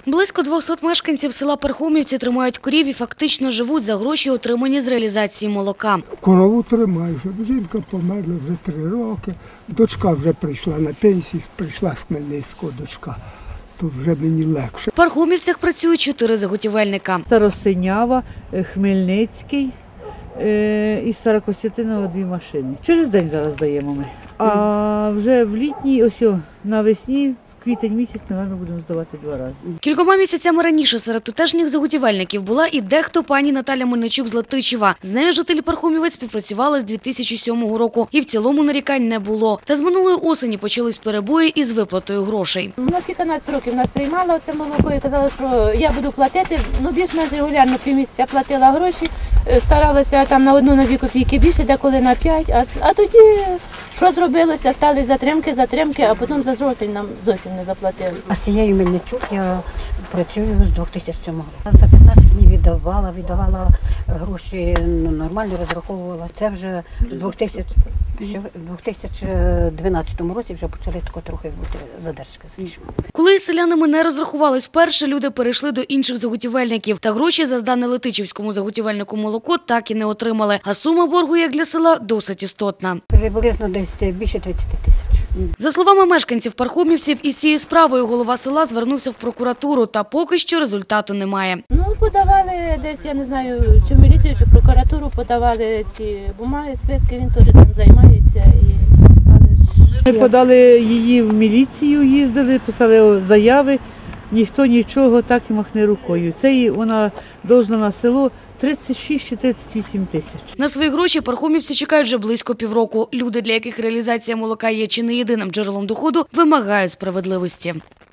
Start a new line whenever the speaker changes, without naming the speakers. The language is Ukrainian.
Близько 200 мешканців села Пархомівці тримають корів і фактично живуть за гроші, отримані з реалізації молока.
Корову тримаю, жінка померла вже 3 роки, дочка вже прийшла на пенсію, прийшла з Хмельницького дочка, то вже мені легше.
В Пархомівцях працюють 4 заготівельника.
Старосинява, Хмельницький і Старокостянтинова 2 машини. Через день зараз даємо ми. А вже в літній, навесні, квітень місяць, напевно, будемо здавати 2 рази.
Кількома місяцями раніше серед тутешніх заготівельників була і дехто пані Наталя Мельничук з Латичева. З нею жителі Пархомівець співпрацювали з 2007 року. І в цілому нарікань не було. Та з минулої осені почались перебої із виплатою грошей.
У нас 15 років нас приймало це молоко і казали, що я буду платити. Більш-менш регулярно півмісяця платила гроші. Старалася там на 1-2 копійки більше, деколи на 5. А тоді що зробилося? Стали затримки, а потім за жовтень нам зовсім не заплатили.
А з цією Мельничук я працюю з 2007 року. За 15 днів віддавала гроші, нормально розраховувала. Це вже в 2012 році вже почали трохи бути задержки.
Коли із селянами не розрахувались вперше, люди перейшли до інших заготівельників. Та гроші за здане Летичівському заготівельнику молоко так і не отримали. А сума боргу, як для села, досить істотна.
Приблизно десь більше 30 тисяч.
За словами мешканців Пархомівців, із цією справою голова села звернувся в прокуратуру, та поки що результату немає.
Подавали десь, я не знаю, чи в міліцію, чи в прокуратуру подавали ці бумаги, списки, він теж там займається.
Ми подали її в міліцію, їздили, писали заяви, ніхто нічого, так і махне рукою. Це вона должна на село 36 чи 38 тисяч.
На свої гроші пархомівці чекають вже близько півроку. Люди, для яких реалізація молока є чи не єдиним джерелом доходу, вимагають справедливості.